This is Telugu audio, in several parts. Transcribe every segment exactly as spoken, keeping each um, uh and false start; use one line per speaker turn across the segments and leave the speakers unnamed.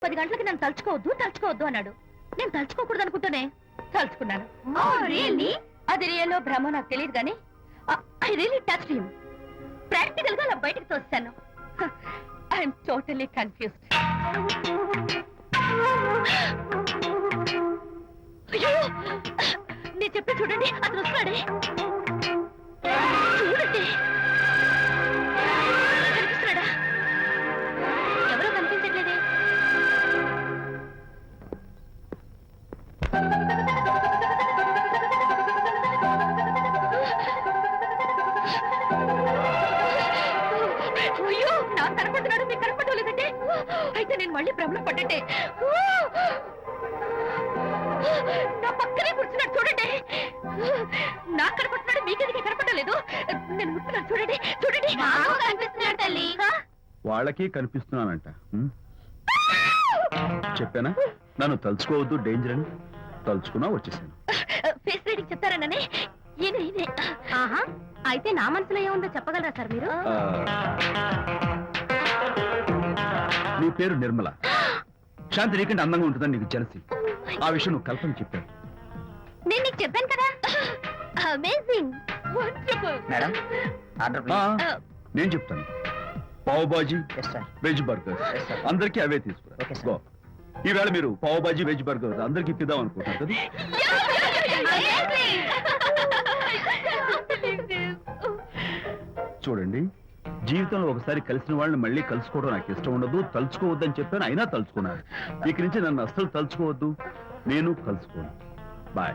పది గంటలకి నన్ను తలుచుకోవద్దు తలుచుకోవద్దు అన్నాడు. నేను తలుచుకోకూడదు అనుకుంటూనే తలుచుకున్నాను. అది రియల్లో భ్రమ నాకు తెలియదు కానీ I really touch him. Practical గా అలా బయటకు తోస్తాను. I'm totally confused. అయ్యో నేను చెప్పి చూడండి, అతను వస్తున్నాడే. చూడండి కనిపిస్తున్నాడా? ఎవరో కనిపించట్లేదే. అయ్యో నాకు కనపడుతున్నాడు, మీకు కనపడటం లేదంటే అయితే నేను మళ్ళీ భ్రమలో పడ్డంటే. నా పక్కనే కూర్చున్నాడు చూడండి. నాకు కనపడుతున్నాడు, మీకెదికి కనపడటం లేదు. నేను ముట్టున్నాను చూడండి చూడండి. కనిపిస్తున్నాడు తల్లి.
వాళ్ళకి కనిపిస్తున్నానంట. చెప్పానా నన్ను తలుచుకోవద్దు, డేంజర్ అని. తలుచుకున్నా వచ్చేసాను.
ఫేస్ రీడింగ్ చెప్తారననే. ఈయన ఈయనే. ఆహా అయితే నా మనసులో ఏముందో చెప్పగలరా సార్ మీరు?
నీ పేరు నిర్మల. శాంతి నీకంటే అందంగా ఉంటుందని నీకు జలసి. ఆ విషయం నువ్వు కల్పన చెప్పావు.
నేను నీకు చెప్పాను కదా. Amazing wonderful.
Madam order please.
నేను చెప్తాను. పావ్ బాజీ, వెజ్ బర్గర్ అందరికీ అవే తీసుకురా. ఈవేళ మీరు పావ్ బాజీ వెజ్ బర్గర్ అందరికీ ఇద్దాం అనుకుంటారు కదా. చూడండి, జీవితంలో ఒకసారి కలిసిన వాళ్ళని మళ్ళీ కలుసుకోవడం నాకు ఇష్టం ఉండదు. తలుచుకోవద్దని చెప్పాను, అయినా తలుచుకున్నాను. ఇక నుంచి నన్ను అస్సలు తలుచుకోవద్దు, నేను కలుసుకోను. Bye.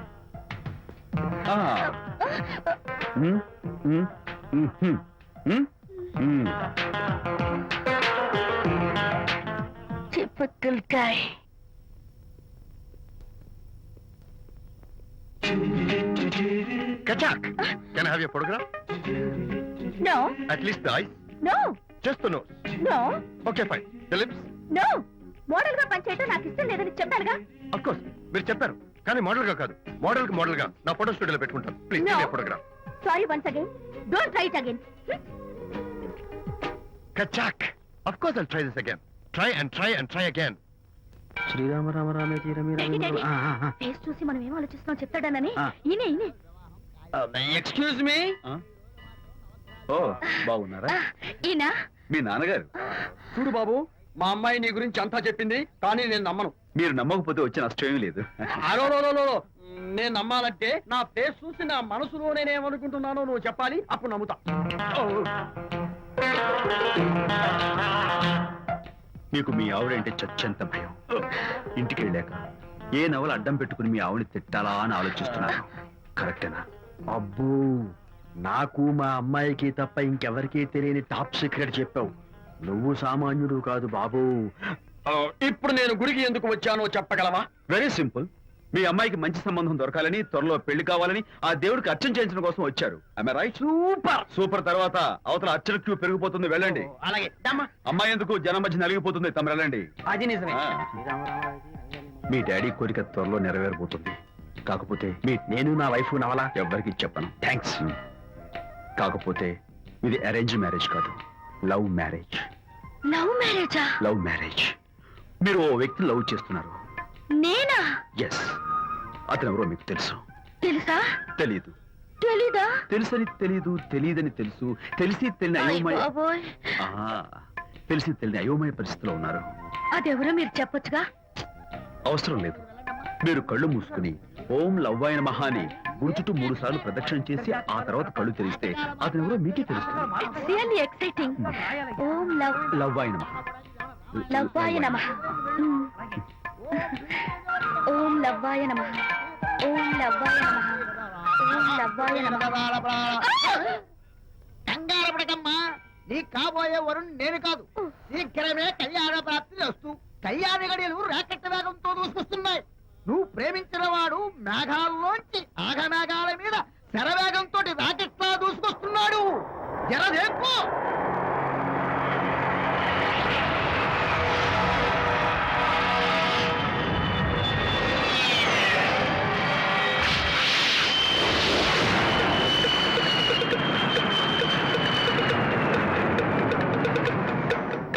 Typical guy.
Kachak, can I have your photograph?
No.
At least the eyes?
No.
Just the nose?
No.
Okay, fine. The lips?
No. Model గా పనిచేయటం నాకు ఇష్టం లేదని చెప్పానుగా.
Of course. మీరు చెప్పారు కానీ మోడల్ గా కాదు. మోడల్ కి మోడల్ గా నా ఫోటో స్టూడియోలో పెట్టుకుంటాను. Please
No.
give me a photograph.
Sorry once again. Don't try it again.
Kachak. Of course I'll try this again. Try and try and try again.
Shri Rama Rama రామే తీరమి
ఫేస్ చూసి మనం ఏం ఆలోచిస్తున్నాం చెప్తాడనని. ఈయనే ఈయనే.
Excuse me.
ఓ బాగున్నారా?
ఈయన
మీ నాన్నగారు.
చూడు బాబు, మా అమ్మాయి నీ గురించి అంతా చెప్పింది, కానీ నేను నమ్మను.
మీరు నమ్మకపోతే వచ్చే నష్టం ఏమీ లేదు.
అలో నేను నమ్మాలంటే నా ఫేస్ చూసి నా మనసులో నేనేమనుకుంటున్నానో నువ్వు చెప్పాలి, అప్పుడు నమ్ముతా.
మీకు మీ ఆవిడంటే చచ్చంత భయం. ఇంటికి వెళ్ళాక ఏ నవల అడ్డం పెట్టుకుని మీ ఆవిడని తిట్టాలా అని ఆలోచిస్తున్నాను. కరెక్టేనా?
అబ్బో, నాకు మా అమ్మాయికి తప్ప ఇంకెవరికీ తెలియని టాప్ సీక్రెట్ చెప్పావు. నువ్వు సామాన్యుడు కాదు బాబు. ఇప్పుడు నేను గుడికి ఎందుకు వచ్చానో చెప్పగలవా?
Very simple. మీ అమ్మాయికి మంచి సంబంధం దొరకాలని, త్వరలో పెళ్లి కావాలని ఆ దేవుడికి అర్చన చేయించడం కోసం వచ్చారు. ఆమె రైట్? Super super. తర్వాత అవతల అర్చన క్యూ పెరిగిపోతుంది, వెళ్ళండి.
అలాగే.
అమ్మాయి ఎందుకు జనం మధ్య నలిగిపోతుంది, తమ వెళ్ళండి.
అది నిజమే.
మీ డాడీ కోరిక త్వరలో నెరవేరబోతుంది. కాకపోతే మీ నేను నా వైఫ్ నవలా ఎవ్వరికి చెప్పను. థ్యాంక్స్. కాకపోతే ఇది అరేంజ్ మ్యారేజ్ కాదు, లవ్ మ్యారేజ్.
లవ్ మ్యారేజా?
Love marriage. మీరు ఓ వ్యక్తి లవ్ చేస్తున్నారు.
నేనా?
ఎస్. అతను ఎవరో మీకు తెలుసు.
తెలుసా?
తెలీదు.
తెలీదా?
తెలుసని తెలీదు, తెలియదని తెలుసు, తెలిసి తెలియని అయోమయ
బాబోయ్.
తెలిసి తెలియని అయోమయ పరిస్థితిలో ఉన్నారు.
అదెవరో మీరు చెప్పొచ్చుగా.
అవసరం లేదు. మీరు కళ్ళు మూసుకుని ఓం లవ్వాయ నమః అని గుడి చుట్టూ మూడు సార్లు ప్రదక్షిణ చేసి ఆ తర్వాత కళ్ళు తెరిస్తే అతను ఎవరో మీకే తెలుస్తుంది.
It's really exciting. ఓం లవ్
లవ్వాయ నమః.
లవ్వాయ నమః. ఓం లవ్వాయ నమః. ఓం లవ్వాయ నమః. ఓం లవ్వాయ నమః.
కంగారు పడకమ్మా, నీ కాబోయే వరుణ్ నేను కాదు. శీఘ్రమే కళ్యాణ ప్రాప్తి వస్తూ కళ్యాణ గడియలు రాకెట్ వేగంతో దూసుకొస్తున్నాయి. నువ్వు ప్రేమించిన వాడు మేఘాల్లోంచి ఆగమేఘ